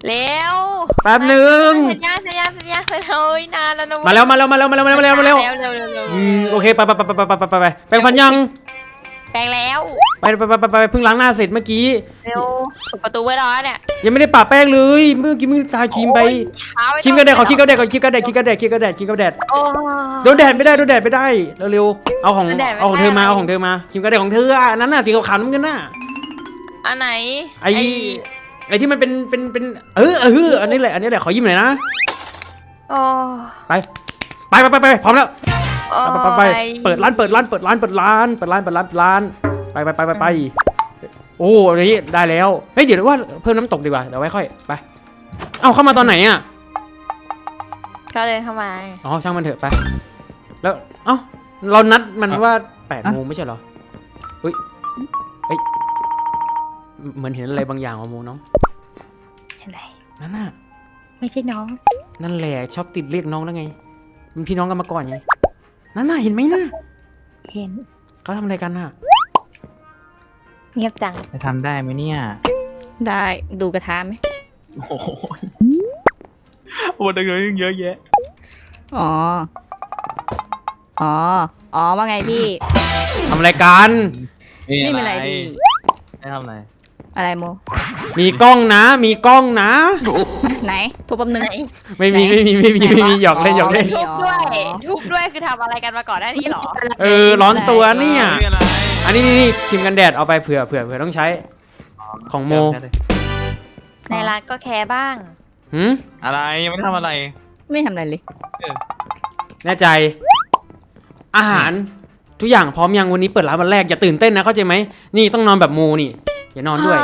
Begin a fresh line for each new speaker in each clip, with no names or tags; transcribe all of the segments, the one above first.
เร็ว
แป๊บหนึ่ง
สัญญาเฮ้ยนานแล้วนะ
มาแล้วโอเคไปแปรงฟันยัง
แปลงแล้ว
ไปเพิ่งล้างหน้าเสร็จเมื่อกี้
เร็วปิดประตูไว้รอเนี่ย
ยังไม่ได้ปะแป้งเลยเมื่อกี้มึงทาครีมไปครีมกันแดดขอครีมกันแดดโดนแดดไม่ได้เร็วเอาของเธอมาครีมกันแดดของเธออันนั้นน่ะสีขาวน้ำเงินน่ะ
อันไหน
ไอ้ที่มันเป็นอันนี้แหละขอยิ้มหน่อยนะไปพร้อมแล้วไปเปิดร้านไปโอ้ยได้แล้วเฮ้ยเดี๋ยวว่าเพิ่มน้ำตกดีกว่าเดี๋ยวไว้ค่อยไปเอ้าเข้ามาตอนไหนอ่ะ
ก็เดินเข้ามา
อ๋อช่างมันเถอะไปแล้วเอ้าเรานัดมันว่า8 โมงไม่ใช่เหรอเฮ้ยเหมือนเห็นอะไรบางอย่างโมน้อง
เห็นอะไร
นั่นน่ะ
ไม่ใช่น้อง
นั่นแหละชอบติดเรียกน้องแล้วไงเป็นพี่น้องกันมาก่อนไงนั่นน่ะเห็นไหมน่ะ
เห็น
เขาทำอะไรกันน่ะ
เงียบจัง
จะทำได้ไหมเนี่ย
ได้ดูกระทะไหม
โอ้โหวันเดียวยังเยอะแยะ
อ๋อว่าไงพี่
ทำอะไรกัน
นี่เป็นอะไรพี่
ไม่ทำอะไร
อะไรโม
มีกล้องนะ
ไหนทุบปั๊มหนึ่ง
ไม่มีหยอกเล่น
ทุบด้วยคือทำอะไรกันมาก่อนได้นี่หรอ
ร้อนตัวเนี่ยอันนี้ครีมกันแดดเอาไปเผื่อต้องใช้ของโม
ในร้านก็แคร์บ้าง
อะไรยังไม่ทำอะไร
ไม่ทำอะไรเลย
แน่ใจอาหารทุกอย่างพร้อมยังวันนี้เปิดร้านวันแรกอย่าตื่นเต้นนะเข้าใจไหมนี่ต้องนอนแบบโมนี่อย่านอนด้วย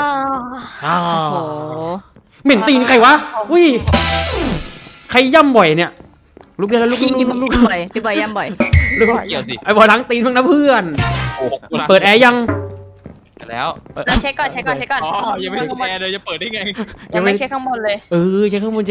เหม็นตีนใครวะอุ้ยใครย่ำบ่อยเนี่ยลุกได้แล้วลุก
บ่อยพี่บอยย่ำบ่อย
เกี่ยวสิ
ไอ้บอยล้างตีนเพิ่งนะเพื่อนเปิดแอร์ยัง
แล้ว
เราเช็คก่อน
อ๋อยังไม่ถึงแอร์เลยจะเปิดได้ไง
ยังไม่เช็คข้างบนเลย
เช็คข้างบน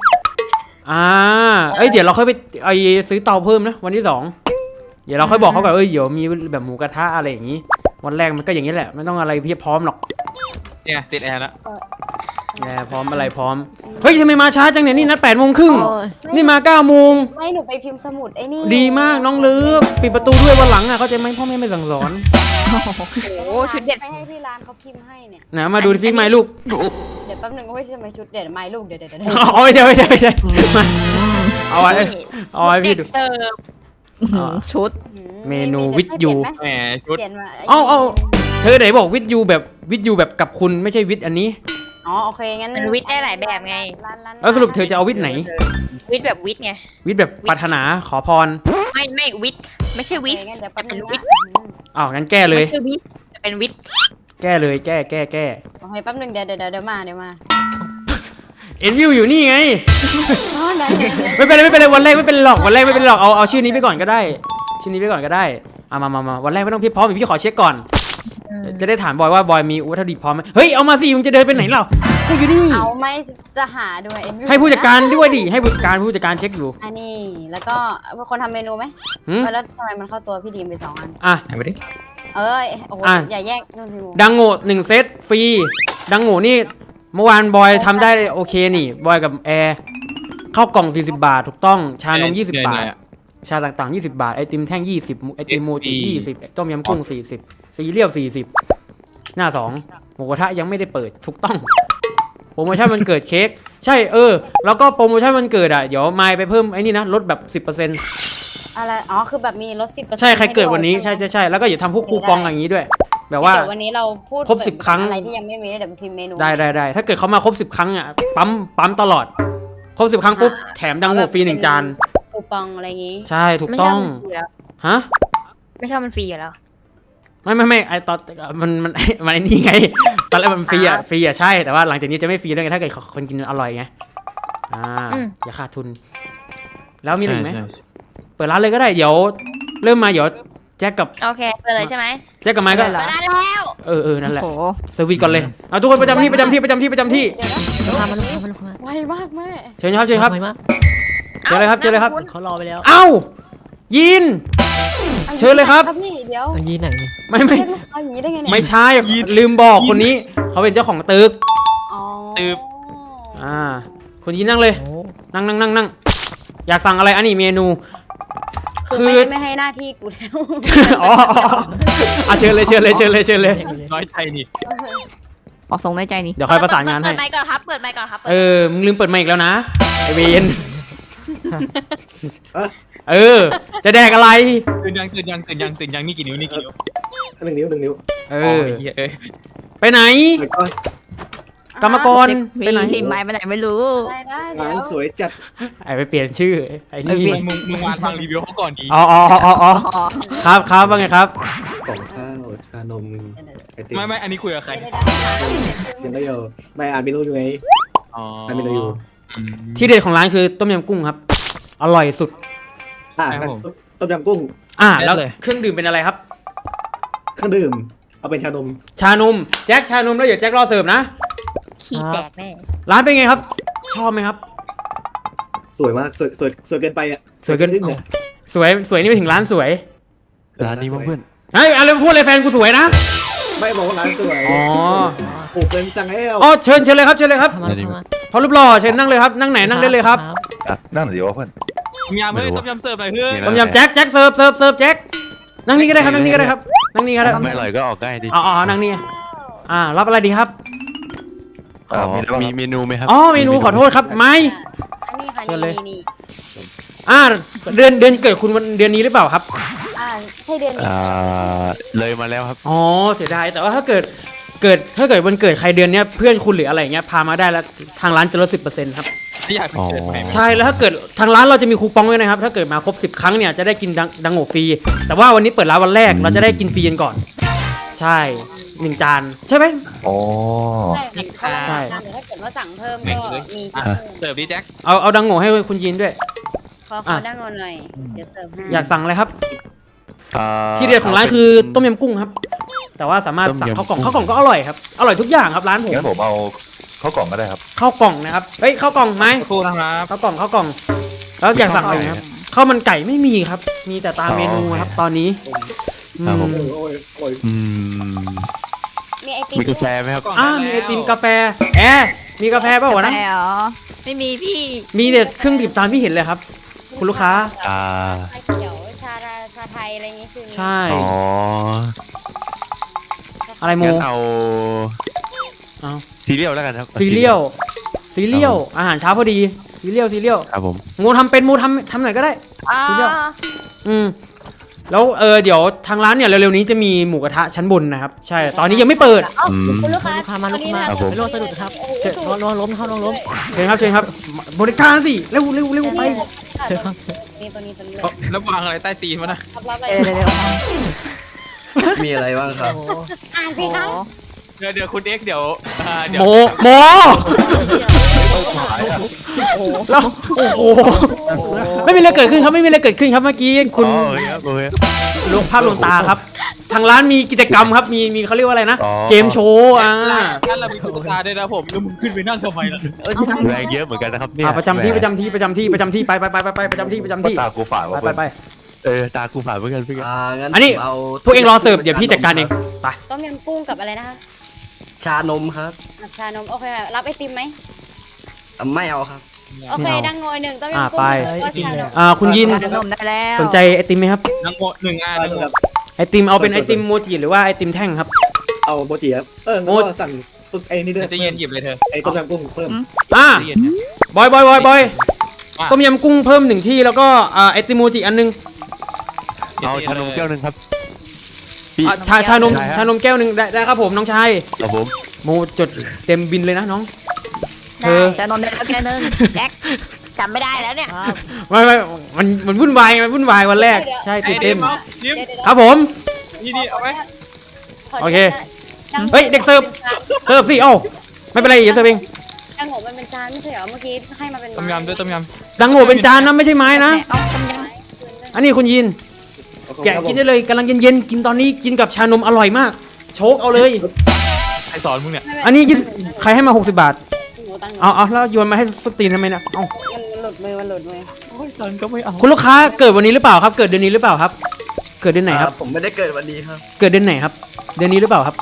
เดี๋ยวเราค่อยไปซื้อเตาเพิ่มนะวันที่2เดี๋ยวเราค่อยบอกเขาก่อนเดี๋ยวมีแบบหมูกระทะอะไรอย่างนี้วันแรกมันก็อย่างนี้แหละไม่ต้องอะไรเพียบพร้อมหรอก
เนี่ยติดแอร์แล้ว
พร้อมอะไรพร้อมเฮ้ยทำไมมาช้าจังเนี่ยนี่นัด8 โมงครึ่งนี่มา9 โมง
ไม่หนูไปพิมพ์สมุดไอ้นี่
ดีมากน้องลืบปิดประตูด้วยวันหลังเข้าใจไหมพ่อแม่ไม่สั่งสอน
โอ้ชุดเด็ด
ไปให้ที่ร้านเขาพิมพ์ให้เนี่ย
นะมาดูซิไม้ลูก
เดี๋ยวแป๊บนึงว่าจะมาชุดเด็ดไม้ลูกเดี๋ยว
ไม่ใช่เอาไว้พี่ดู
ชุด
เมนูวิทยู
แหมชุด
เอาเธอไหนบอกวิทยูแบบกับคุณไม่ใช่วิทอันนี้
อ๋อโอเคงั้น
มันวิทได้หลายแบบไง
แล้วสรุปเธอจะเอาวิทไหน
วิทแบบวิทไง
วิทแบบปรารถนาขอพร
ไม่วิทไม่ใช่วิท
เป็น
วิท
งั้นแก้เลย
เป็นวิท
แก้เลยแก้
โอเคแป๊บนึงเดี๋ยวมา
เอ็นวิวอยู่นี่ไงไม่เป็นไรวันแรกไม่เป็นหรอกเอาชื่อนี้ไปก่อนก็ได้มาวันแรกไม่ต้องพี่พร้อมพี่ขอเช็คก่อนจะได้ถามบอยว่าบอยมีวัตถุดิบพร้อมไหมเฮ้ยเอามาสิมึงจะเดินไปไหนเล่าก็อยู่นี่
เอาไม่จะหาด้วย
ให้ผู้จัดการด้วยดิให้ผู้จัดการเช็คอยู่
อันนี้แล้วก็คนทำเมนูไหมแล้วทำไมมันเข้าตัวพี่ดีมไป2 อัน
ไปดิ
โอ้โหอย่าแยก
ดังโง่1 เซตฟรีดังโง่นี่เมื่อวานบอยทำได้โอเคนี่บอยกับแอร์ข้าวกล่อง40 บาทถูกต้องชานม20 บาทชาต่างๆ20 บาทไอติมแท่ง20ไอติมโมจิ20ต้มยำกุ้ง40ซีเรียล40หน้า2หมูกระทะยังไม่ได้เปิดถูกต้องโปรโมชั่นมันเกิดเค้กใช่แล้วก็โปรโมชั่นมันเกิดเดี๋ยวมายไปเพิ่มไอ้นี่นะลดแบบ 10%
อะไรคือแบบมีลด 10%
ใช่ใครเกิดวันนี้ใช่แล้วก็อย่าทำพวกคูปองอย่างนี้ด้วยแบบว่า
วันนี้เราพูด
ครบ10 ครั้ง
อะไรที่ยังไม่มีเดี๋ยวพิมพ์เมนู
ได้ถ้าเกิดเขามาครบ10 ครั้งปั๊มตลอดครบ10 ครั้งปุ๊บแถมดังโง่ฟรี1 จาน
คูปองอะไรอย่างงี้
ใช่ถูกต้องฮะ
ไม่ใช่มันฟรีอยู่แล้ว
ไม่ไอตอนมันไอ้นี่ไงตอนแรกมันฟรีใช่แต่ว่าหลังจากนี้จะไม่ฟรีแล้วไงถ้าเกิดคนกินอร่อยไงอย่าขาดทุนแล้วมีอะไรไหมเปิดร้านเลยก็ได้เดี๋ยวเริ่มมาเดี๋ยวแจ็คกับ
โอเคเปิดเลยใช่ไหม
แจ็คกับไมค์ก็
เปิดแล้ว
นั่นแหละเซอร์วิสก่อนเลยเอาทุกคนประจำที่
ไวมากแม่
เชิญครับเชิญเลยครับ
เขารอไปแล้ว
เอ้ายินเชิญเลยครับ
พี่เดี๋ยว
ยินไหน
ไม่ใช่ลืมบอกคนนี้เขาเป็นเจ้าของตึก
ตึก
คุณยินนั่งเลย นั่งอยากสั่งอะไรอันนี้เมนู
คือไม่ให้หน้าที่กูแล้ว
อ๋อเชิญเลย
น้อยใจนี่
ออกทรงน้อยใจนี่
เดี๋ยวค่อยประสานงานให้
เปิดไมค์ก่อนครับ เปิดไมค์ก่อนครับ
มึงลืมเปิดไมค์อีกแล้วนะไอเวนจะแดกอะไร
ตื่นยังนี่กี่นิ้ว
1 นิ้ว
เอ
อ๋อ
อ
เหี้ยเอ้ย
ไปไหน
แล้วก็
กรรมกรไปไหน
ทีมไม้ไปไหนไม่รู้
ได้เดี๋
ร้า
ยว
นสวยจัด
ไอไปเปลี่ยนชื่อไอ้นี่
มึงวานฟังรีวิวเขาก่อนดี
อ๋อครับว่าไงครับ
กล่องข้าวชานมไอติม
ไม่อันนี้คุยกับใคร
เซียนได้อยู่ไม่อ่านเมนูอยู่ไง
อ๋อ
อ่านเมนูอยู่
ที่เด็ดของร้านคือต้มยำกุ้งครับ อร่อยสุด
งั้นต้มยำกุ้ง
แล้วเครื่องดื่มเป็นอะไรครับ
เครื่องดื่มเอาเป็นชานม
ชานมแจ็คชานมแล้วเดี๋ยวแจ็ครอเสิร์ฟนะ
ขี้แตกแน่
ร้านเป็นไงครับ ชอบไหมครับ
สวยมากสวยเกินไปอ่ะ
สวยเกิน
อึ้งเลย
สวยนี่ไปถึงร้านสวย
ร้านนี้มั้งเพื่อน
เฮ้ยอะไรพูดเลยแฟนกูสวยนะ
ไม่บอกว่าร้านสวย
อ๋อ
โอ้เป็นจังแล้ว
เชิญเลยครับเชิญเลยครับ
ร้านนี้มั้ง
พอรูปหล่อเชิญนั่งเลยครับนั่งไหนนั่งได้เลยครับ
นั่งหน่อยดีวะเพื่อน
ต้มยำเฮ้ยต้มยำเสิร์ฟหน่อยเพื่อน
ต้มยำแจ็คเสิร์ฟแจ็คนั่งนี่ก็ได้ครับนั่งนี่ก็ได้ครับนั่งนี่ก็ได้
ไม่อร่อยก็ออกง่ายดิ
อ๋อนั่งนี่รับอะไรดีครับ
มีเมนูไหมครับ
เมนูขอโทษครับไม่
อันนี้ค่ะ
เชิญเลย
นี่
เดือนเกิดคุณวันเดือนนี้หรือเปล่าครับ
ใช่เดือนนี้
เลยมาแล้วครับ
อ๋อเสียดายแต่ว่าถ้าเกิดวันเกิดใครเดือนเนี้ยเพื่อนคุณหรืออะไรเงี้ยพามาได้แล้วทางร้านจะลด 10%ครับ
ที่อยากเกิดใหม่
ใช่แล้วถ้าเกิดทางร้านเราจะมีคูปองด้วยนะครับถ้าเกิดมาครบ10 ครั้งเนี่ยจะได้กินดังโง่ฟรีแต่ว่าวันนี้เปิดร้านวันแรกเราจะได้กินฟรีกันก่อน ใช่1 จานใช่ไหม
อ๋อ
ใช่ค่ะถ้าเกิดว่าสั่งเพิ่มก็มี
เสิร์ฟดิแจ็ค
เอาดังโง่ให้คุณยินด้วย
ขอดังงอนหน่อยเดี๋ยวเสิร์ฟให้
อยากสั่งอะไรครับที่เด็ดของร้านคือต้มยำกุ้งครับ แต่ว่าสามารถสั่งข้าวกล่องก็อร่อยครับอร่อยทุกอย่างครับร้านผม
งั้นผมเอาข้าวกล่องก็ได้ครับ
ข้าวกล่องนะครับเฮ้ยข้าวกล่องไหม
ครูนะครับ
ข้าวกล่องแล้วอยากสั่งอะไรนะครับข้าวมันไก่ไม่มีครับ มีแต่ตามเมนูครับตอนนี้
ครับผม
โอ้ย
มีไอติม
มีกาแฟไหมครับ
มีไอติมกาแฟมีกาแฟเปล่าวะนะ
แต่เหรอไม่มีพี่
มีเด็ดเครื่องดื่มตามที่เห็นเลยครับ คุณลูกค้า
อ่า
ชาเขียวชาไทยอะไรอย่างงี้คือ
ใช่
อ๋อ
อะไรโม
งั้นเอา
เอา
ซีเรียลแล้วกันครับ
ซีเรียลอาหารเช้าพอดีซีเรียล
ครับผม
โมทำเป็นโมทำหน่อยก็ได้
อ๋อ
แล้วเดี๋ยวทางร้านเนี่ยเร็วๆนี้จะมีหมูกระทะชั้นบนนะครับใช่ตอนนี้ยังไม่เปิด
คุณลูกค้า
ครับผม
ไม่รอดสะดุดครับนอนล้มเข้านอนล้ม
เชิญครับบริการสิเร็วไป
นี่ตัวนี้
แล้ววางอะไรใต้ตีนมันนะ
รับอะไร
เดี๋ยว
มีอะไรบ้างครับ
อ่านสิคะ
เดี๋ยวคุณเอ็กเดี๋ยว
โมแล้วโอ้โหไม่มีอะไรเกิดขึ้นครับเมื่อกี้คุณ
อ๋อโอเคครับโอเค
ลงภาพลงตาครับ ทางร้านมีกิจกรรมครับมีเขาเรียกว่าอะไรนะ
อ๋อ
เกมโชว์
ถ้าเรามีตุ๊กตาด้วยนะผมแล้วมึงขึ้นไปนั่งทำไมล่ะ
แรงเยอะเหมือนกันนะครับเนี่ย
ประจำที่ไปประจำที่ประจำที่ประจำที่
ตากูฝาดว่ะ
ไป
ตากูฝาดเหมือนกันพี่
งั้น
อันนี้
ผมเอา
พวกเองรอเสิร์ฟเดี๋ยวพี่จัดการเองไป
ต้มยำกุ้งกับอะไรนะคะ
ชานมครับ
ชานมโอเครับไอติมไหม
ไม่เอาครับ
โอเคดังงอย1ต้มยำกุ้งแล้วก็ชานม
คุณยิน
นมได้แล้ว
สนใจไอติมไหมครับ
นั่งโม1 อัน
ไอติมเอาเป็นไอติมโมจิหรือว่าไอติมแท่งครับ
เอาโมจิครับงั้นก็สั่งปึ๊กไอ้นี่ด้วย
จะเย็นหยิบเลยเธอ
ไอ้ต้มยำกุ้งเพิ่ม
จะเย็น
บอยต้มยำกุ้งเพิ่ม1 ที่แล้วก็ไอติมโมจิอันนึง
เอาชานมแก้วหนึ่งครับ
ชานมแก้วนึงได้ครับผมน้องชาย
ครับผม
โมจดเต็มบินเลยนะน้อง
จะนอนได้แล้วแค่นึงแจ็ค
จำไม่ได้แล้วเนี่ย
ไม่มันวุ่นวายวันแรกใช่ตื่นเต้น
ยิ้ม
ครับผม
นี่เอาไหม
โอเคเฮ้ยเด็กเสิร์ฟสิเอ้าไม่เป็นไรอย่าเสิร์ฟเอง
ดังงมันเป็นจานไม่ใช่เหรอเมื่อกี้ให้มาเป็น
ต้มยำด้วยต้มย
ดังโง่เป็นจานนะไม่ใช่ไม้นะ
ต้องต้มย
อันนี้คุณยินแกะกินได้เลยกำลังเย็นๆกินตอนนี้กินกับชานมอร่อยมากโชคเอาเลย
ำใครสอนมึงเนี่ย
อันนี้ใครให้มา60 บาทเอาแล้วโยนมาให้สตีนทำไมเนี่ยเอ้า
มันหลุดมือ
สอนก็ไม่เอา
คุณลูกค้าเกิดวันนี้หรือเปล่าครับ เกิดเดือนนี้หรือเปล่าครับ เกิดเดือนไหนครับ
ผมไม่ได้เกิดวันนี้ครับ
เกิดเดือนไหนครับ เดือนนี้หรือเปล่าครับ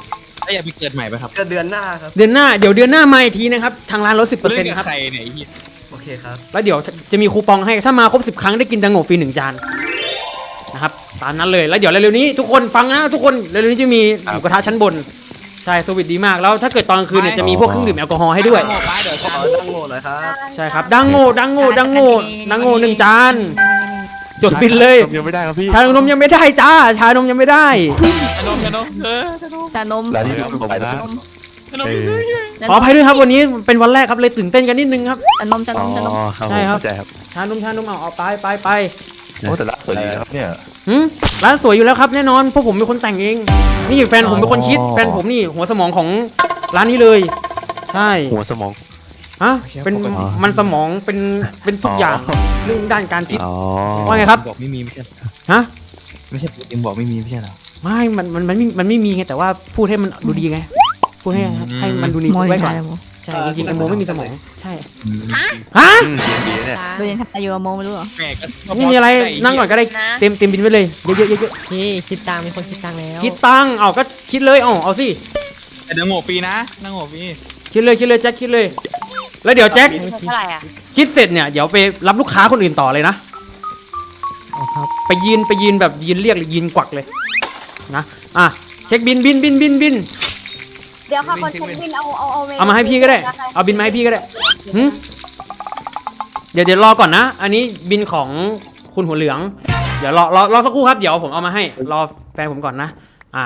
แล้วอยากไปเกิดใหม่ไหมครับ
ก็เดือนหน้าครับ
เดือนหน้าเดี๋ยวเดือนหน้ามาอีกทีนะครับทางร้านลด
เล่น
10%
กับ
ครับ
ใครเนี่ยไอ้เหี้ย
โอเคครับ
แล้วเดี๋ยวจะมีคูปองให้ถ้ามาครบ10 ครั้งได้กินดังโง่ฟรี1 จานนะครับตามนั้นเลยแล้วเดี๋ยวเร็วๆนี้ทุกคนฟังนะทุกคนเร็วๆนี้จะมีหมูกระทะชั้นบนใช่สวิตดีมากแล้วถ้าเกิดตอนกลางคืนเนี่ยจะมีพวกเครื่องดื่มแอลกอฮอล์ให้ด้วย
โง่ป้าเดี๋ยว
ข
ชา
อตั้งโง่หน่อยครับ
ใช่ครับดังโง่1 จานจดบินเลย
ยังไม่ได้ครับพี่
ชานมยังไม่ได้จ้าชานมยังไม่ได้
ชานมชานม
ชานม
ร้านนี้ผมไปนะ
ชานม
ขออภัยด้วยครับวันนี้เป็นวันแรกครับเลยตื่นเต้นกันนิดนึงครับ
ชานมชาน
อ๋อ
มชานม
ครับ
ใช่ครับ
เข้าใจครับ
ชานมเอาไป
โอ้แต่ละสวยดีนะครับเนี่ย
ร้านสวยอยู่แล้วครับแน่นอนพวกผมเป็นคนแต่งเองนี่แฟนผมเป็นคนคิดแฟนผมนี่หัวสมองของร้านนี้เลยใช่
หัวสมอง
ฮะเป็นมันสมองเป็นทุกอย่างเรื่องด้านการคิด
อ๋อ
ว่าไงครับ
บอกไม่มีไม่ใช่
ฮะ
ไม่ใช่เอ็มบอกไม่มีไม่ใช่เหรอ
ไม่มันไม่มีไงแต่ว่าพูดให้มันดูดีไงพูดให้มันดูดีไว้ก่อนใช่จริงๆไอโมไม่มีสมองใช่ฮะ
ดีเนี่ย
ดูยังทำอยู่กับโมไม่รู้เหรอ
แม่ก็
ไม่มีอะไรนั่งก่อนก็ได้เต็มบินไปเลยเยอะ
พี่คิดตังค์มีคนคิดตังค์แล้ว
คิดตังค์เอาก็คิดเลยเอาสิ
แต่ดังโง่ฟรีนะดังโง่ฟรี
คิดเลยแจ็คคิดเลย แล้วเดี๋ยวแจ็ค
เท่าไหร่อ่ะ
คิดเสร็จเนี่ยเดี๋ยวไปรับลูกค้าคนอื่นต่อเลยนะ
อ๋อครับ
ไปยืนแบบยืนเรียกหรือยืนกวักเลยนะเช็คบิน
เดี๋ยวค่ะคนเช็คบินเอาเมนู
เอามาให้พี่ก็ได้เอาบินมาให้พี่ก็ได้หึเดี๋ยวรอก่อนนะ อันนี้บินของคุณหัวเหลืองเดี๋ยวรอสักครู่ครับเดี๋ยวผมเอามาให้รอแฟนผมก่อนนะ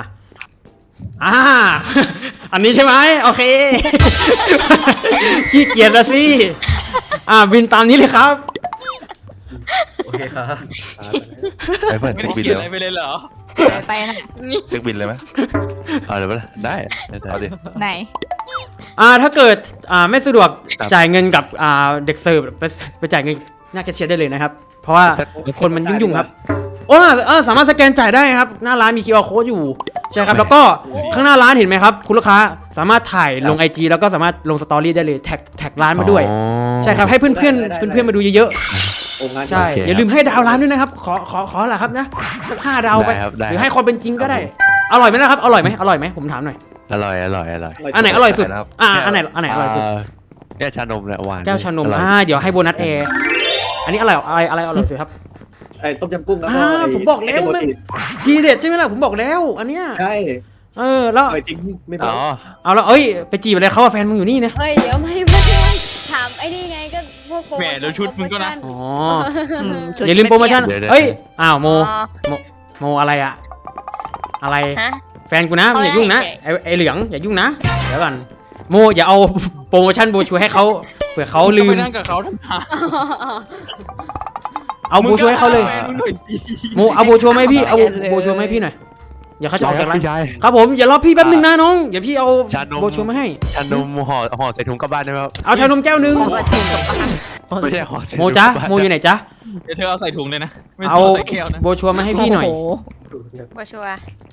อันนี้ใช่ไหมโอเค ขี้เกียจละสิบินตามนี้เลยครับ
โอเคครับ
ไปเปิด
ไม่
เช็ค
ได้
บิน
คิด
เลย
อะไรไปเลยเหรอ
ไปนะ
เช็คบินเลยไหมเอาเดี๋ยวได้เอาดิ
ไหน
ถ้าเกิดไม่สะดวก
ครับ
จ่ายเงินกับเด็กเสิร์ฟไปจ่ายเงินหน้าแคชเชียร์ได้เลยนะครับ เพราะว่าคนมันยุ่งๆครับสามารถสแกนจ่ายได้ครับหน้าร้านมี QR code อยู่ใช่ครับแล้วก็ข้างหน้าร้านเห็นไหมครับคุณลูกค้าสามารถถ่ายลง IG แล้วก็สามารถลงสตอรี่ได้เลยแท็กร้านมาด้วย
อ๋อ
ใช่ครับให้เพื่อนมาดูเยอะ
โอ้งาน
ๆใช่
โอเค
อย่าลืมให้ดาวร้านด้วยนะครับขอแหละครับนะสัก5 ดาวไป
ได้ครับได้
หรือให้ความเป็นจริงก็ได้อร่อยไหมนะครับอร่อยไหมผมถามหน่อย
อร่อย
อันไหนอร่อยสุดอันไหนอร่อยสุด
เนี่ยชานมเนี่ยหวาน
แก้วชานม
อร่อย
เดี๋ยวให้โบนัสแอร์อันนี้อะไรอร่อยสุดครับ
ไอ้ต้มยำกุ้งแล้วก็ไ
ผมบอกแล้ว
ไโมจิ
ทีเด็ดใช่ไหมล่ะผมบอกแล้วอันเนี้ย
ใช่
แล้ว
อร่อยจริงไม่บอ
อ๋
ก
อ
เอาแล้วไปจีบอะไรเขาแฟนมึงอยู่นี่นะ
เฮ้ยเดี๋ยวไม่ถามไอ้นี่ไงก็พวกโปร
แหมเดี๋ยวชุดมึงก็นะ
อ๋อ
จุด
อย่าลืมโปรโมชั่น
เดี๋ยว
เอ้ยโมอะไรอะอะไร
ฮะ
แฟนกูนะมึงอย่ายุ่งนะไอเหลืองอย่ายุ่งนะเดี๋ยวก่อนโมอย่าเอาโปรโมชั่นโบชัวให้เขาเผื่อเขาลื
ไป
ม
นั่งกับเขาทำไม
เอาโบชัวให้เขาเลย
มึงหน่อยสิ
โมเอาโบชัวไหมาให้พี่เอาโบชัวมาให้พี่หน่อยอย่าเขาจะออกจากร้าน
พี่ชาย
ครับผมอย่ารอพี่แป๊บนึงนะน้องเดี๋ยวพี่เอา
ชานม
โบชัวมาให้
ชานมห่อใส่ถุงกลับบ้านได้ไหมครับ
เอาชานมแก้วนึง
ของกระถิ่นกับปลา
ไม่ใช่ห่อใส่ถุง
โมจ๊ะ
กลับบ้าน
โมอยู่ไหนจ๊ะ
เดี๋ยวเธอเอาใส่ถุงเลยนะไม่
เอา
ต้องใส่แก้วนะ
โบชัวมาให้พี่หน่อย
โอ้โ
โบชัวร์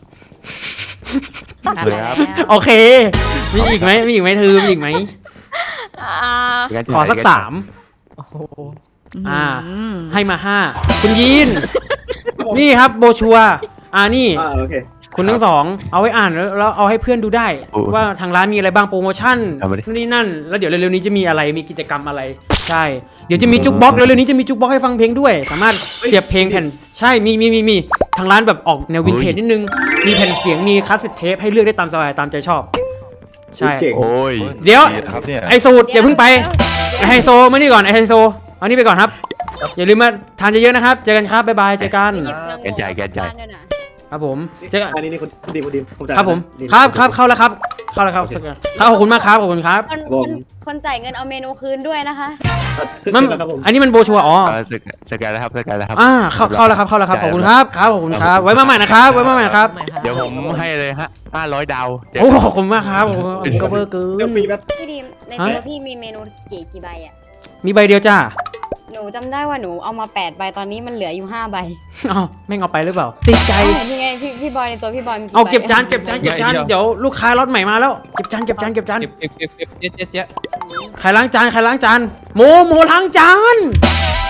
เลยครับ
โอเค มีอีกไหมมีอีกไหมเธอมีอีกไหม ขอสัก 3
โอ้โห
ให้มา 5 คุณยีน นี่ครับโบชัวนี่
โอเค
คุณทั้งสองเอาไว้อ่านแล้วเอาให้เพื่อนดูได้ ว่าทางร้านมีอะไรบ้างโปรโมชั่นนี่นั่น แล้วเดี๋ยวเร็วๆนี้จะมีอะไรมีกิจกรรมอะไร ใช่ เดี๋ยวจะมีจุกบ็อกเร็วๆนี้จะมีจุกบ็อกให้ฟังเพลงด้วย สามารถเสียบเพลงแผ่นใช่มีทางร้านแบบออกแนววินเทจนิดนึงมีแผ่นเสียงมีคาสเซ็ตเทปให้เลือกได้ตามสบายตามใจชอบ ใช่
เจ๋ง
โอ้ย
เดี๋ยว
ครับเนี่ย
ไอสูตรอย่าเพิ่งไปไอไฮโซมานี่ก่อนไอไฮโซเอานี่ไปก่อนครับ อย่าลืมมาทานเยอะๆนะครับเจอกันครับบ๊ายบายเจอกัน ครับผมเจอกัน
อันนี้คนดีผมจ่าย
ครับผม
ดี
ครับเข้าแล้วครับขอบคุณมากครับขอบคุณครับ
คนจ่ายเงินเอาเมนูคืนด้วยนะคะ
มัน
ครับผม
อันนี้มันโบชัว
สแกนแล้วครับสแกนแล้วครับ
เข้าแล้วครับขอบคุณครับขอบคุณครับไว้มาใหม่นะครับไว้มาใหม่ครับ
เดี๋ยวผมให้เลยฮะ500 ดาว
โอ้ขอบคุณมากครับก็เบอร์เกิ
เดี๋ยวน ฟรีแบบ
พี่ดีมในตัวพี่มีเมนูกี่ใบอ่ะ
มีใบเดียวจ้า
หนูจำได้ว่าหนูเอามา8 ใบตอนนี้มันเหลืออยู่5 ใบ
อ้าวแม่งเอาไปหรือเปล่าติดใจ
ยังไงพี่บอยในตัวพี่บอยมีกี่
เอา
ใบ
เก็บจานเดี๋ยวลูกค้าล็อตใหม่มาแล้วเก็บจาน
เก็บเจ๊
ใครล้างจานโมล้างจาน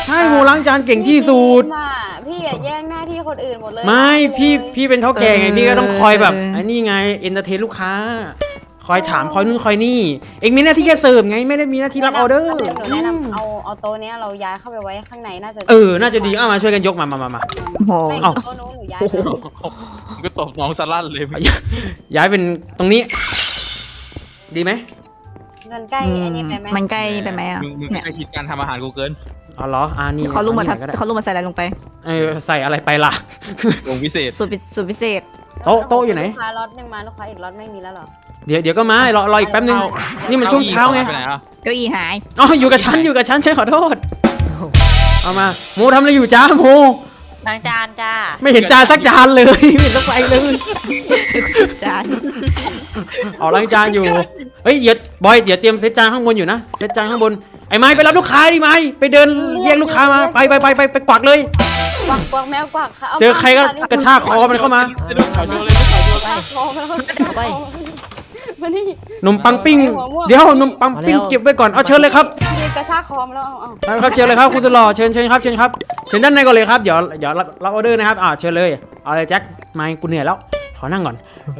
ใช่โมล้างจานเก่งที่สุด
พี่อะแย่งหน้าที่คนอื่นหมดเลย
ไม่พี่
เลย
พี่เป็นเท่าแก่ไงพี่ก็ต้องคอยแบบไอ้นี่ไงเอนเตอร์เทนลูกค้า คอยถามคอยนู่นคอยนี่เองมีหน้าที่แค่เสิร์ฟไงไม่ได้มีหน้าที่รับออเดอร์
หนูแนะนำเอาโต๊ะเนี้ยเราย้ายเข้าไปไว้ข้างในน่าจะ
น่าจะดีเอามาช่วยกันยกมา
โอ้โห
ไม่
เอ้า
โต๊ะนู้นหนูย้าย
ผมก็ตบน้องสลั่นเลย
ย้ายเป็นตรงนี้ ดีไหม
มันใกล้อันนี้ไปไหม
มันใกล้ไปไหมอ่ะ
มึง
เนี่ย
ใกล้ชิดการทำอาหารกูเกิน
เอาเหรอนี่
เขารู้มา
อ
ทั
ไหนก็ได้
เขารู้มาใส่อะไรลงไป
ใส่อะไรไปล่ะ
วงพิเศษ
สูตรพิเศษ
โต๊ะอยู่ไหน
ลูกค้าล็อตหนึงมาลูกค้าอีกล็อตไม่มีแล้วเหรอ
เดี๋ยวก็มารออีกแป๊บนึง นี่มันช่วงเช้าไง
ไปไหนอ่ะ
เก้าอี้หาย
อ๋ออยู่กับฉันฉันขอโทษเอามาโมทำอะไรอยู่จ้าโม
ล้างจานจ้า
ไม่เห็นจานสักจานเลย ไม่เห็นสักใบเลย
จาน
เอาล้างจานอยู่เฮ้ยเดี๋ยวบอยเดี๋ยวเตรียมเซตจานข้างบนอยู่นะเซตจานข้างบนไอ้ไม้ไปรับลูกค้าดิไม้ไปเดินเรียกลูกค้ามาไปกวักเลย
กวักแมวกวักค่ะา
เจอใครก็กระชากคอมันเข้ามา
ไปดูข่าวโชว์เลยดูข่าวโชว์
กระชากคอมาแล้วมานี่
นมปังปิ้งเดี๋ยวนมปังปิ้งเก็บไว้ก่อนเอาเชิญเลยครับ
นี่กระชากคอมาแล้วเอา
ครับเชิญเลยครับคุณสุดหล่อเชิญครับเชิญด้านในก่อนเลยครับเดี๋ยวรับออเดอร์นะครับเชิญเลยเอาเลยแจ็คไม้กูเหนื่อยแล้วขอนั่งก่อน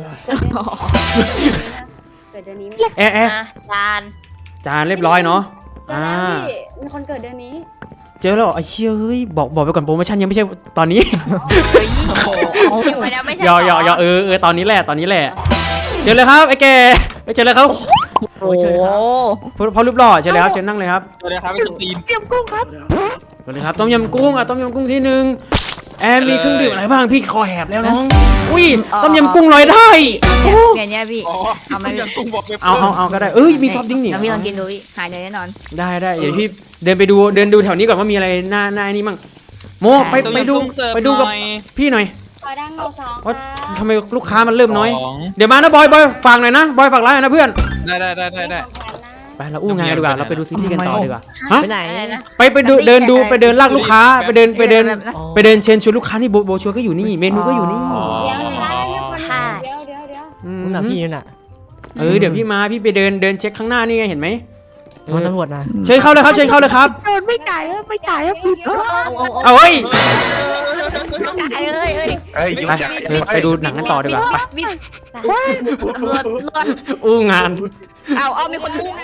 เกิดเดือนนี้ไหม
แอะ
จาน
จานเรียบร้อยเนาะ
เจอแล้วพี่มีคนเกิดเดือนนี้
เจอแล้วเหรอไอ้เชี่ยเฮ้ยบอกไปก่อนโปรโมชั่นยังไม่ใช่ตอนนี้
อยู่ไปแล้วไม่ใช่
ยอตอนนี้แหละเชิญเลยครับไอ้แกเชิญเลยครับ
โอ้โห
พอรูปหล่อเชิญเลยครับเชิญนั่งเลยครับ
สวัสดีครับเป็นตีน
เชิญเลยครับต้มยำกุ้งต้มยำกุ้งที่หนึ่งแอมมีเครื่องดื่มอะไรบ้างพี่คอแหบแล้วน้องอุ้ยต้มยำกุ้งลอยได้
เนี่ยพี่
อ๋อ
เอาไหม
ยังตุ้งบอกไป
เอาก็ได้มีซอฟต์ดริงก์นี่
แล้วพี่ลองกินดูพี่หายเลยแน่นอน
ได้เดี๋ยวพี่เดินดูแถวนี้ก่อนว่ามีอะไรหน้านี่มั่งโมไปดูกับพี่หน่อย
ขอดังโลสอง
ว่า
ค่ะ
ทำไมลูกค้ามันเริ่มน้อยเดี๋ยวมานะบอยฝากหน่อยนะบอยฝากร้านหน่อยนะเพื่อน
ได้
ไปเราอู้งานดีกว่าเราไปดูซีรีส์กันต่อดีกว่าฮะ
ไปไหน
อะไรนะ
ไปดูเดินลากลูกค้าไปเดินเชิญชวนลูกค้านี่โบชัวก็อยู่นี่เมนูก็อยู่นี่
เดี๋ยวร้านนี้คนเดี๋ยว
มึงหนาพี่น่ะ
เดี๋ยวพี่มาพี่ไปเดินเช็คข้างหน้านี่ไงเห็นไหม
มันตำรวจนะ
เชิญเข้าเลยครับ
ไม่จ่ายผิด
เอาเฮ้ย
จ่ายเลย
เอ้ยยุ่งจัง
ไปดูหนังกันต่อดีกว่าไป
บินตำรวจ
อู้งาน
เอามีคนมุ่ง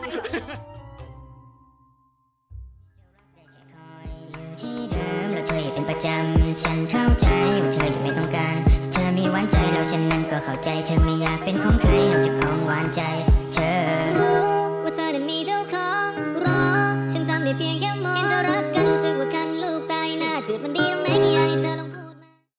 ที่เดิมแล้วเธออย่าเป็นประจำฉันเข้าใจว่าเธอยังไม่ต้องการเธอมีหวานใจแล้วฉันนั้นก็เข้าใจเธอไม่อยากเป็นของใครนอกจากของหวานใจเธอว่าเธอนั้นมี